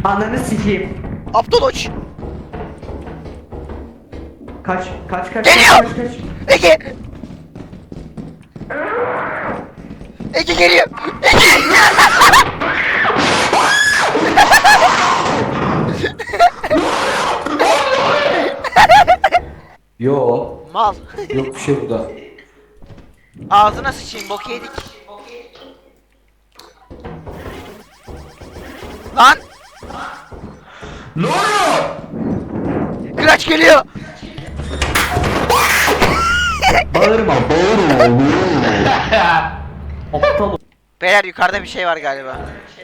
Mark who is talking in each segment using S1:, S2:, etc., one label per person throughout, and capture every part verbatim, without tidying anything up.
S1: Ananı sikeyim.
S2: Abdoloç.
S1: Kaç kaç kaç
S2: Geliyor!
S1: kaç kaç.
S2: Ege. Ege geliyor. Ege.
S3: Yo.
S2: Mal.
S3: Yok bir şey burada.
S2: Ağzına sıçayım, bok yedik. Lan!
S3: Ne oluyor?
S2: Kıraç geliyor!
S1: Bağırma bağırma. Aptal ol.
S2: Beyler yukarıda bir şey var galiba.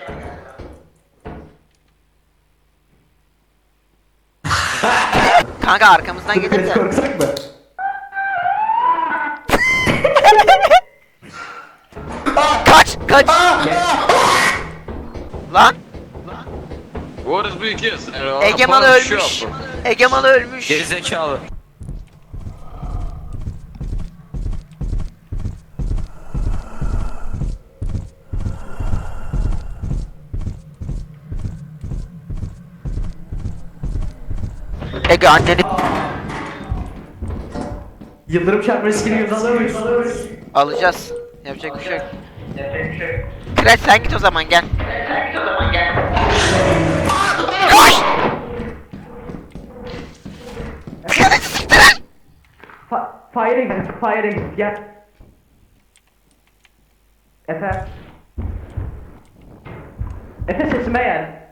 S2: Kanka arkamızdan
S1: Dur
S2: gelir
S1: kaç
S2: de.
S1: korksak mı?
S2: Kaç! Kaç! Lan!
S4: What is big yes?
S2: Egeman ölmüş. Egeman ölmüş.
S4: Gerizekalı.
S2: Ege anneni
S1: Yıldırım çarpma riskini göze alamayız.
S2: alacağız. Yapacak bir şey yok. Kıraç sen git o zaman gel. Koş! Kıraç'ı siktirin!
S1: Fa fire'e git, fire'e git, gel. Efe. Efe sesime gel.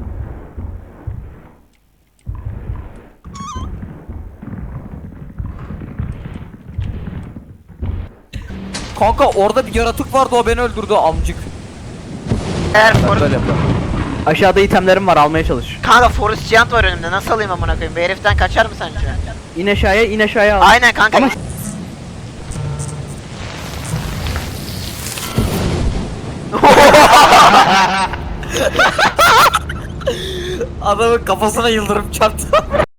S5: Kanka orada bir yaratık vardı, o beni öldürdü amcık.
S2: Eğer Forest...
S5: Böyle yapalım.
S1: Aşağıda itemlerim var, almaya çalış.
S2: Kanka Forest Giant var önümde, nasıl alayım amına koyayım? Bu heriften kaçar mı sence?
S1: İn aşağıya, in aşağıya al.
S2: Aynen kanka.
S1: Ama-
S5: Adamın kafasına yıldırım çarptı.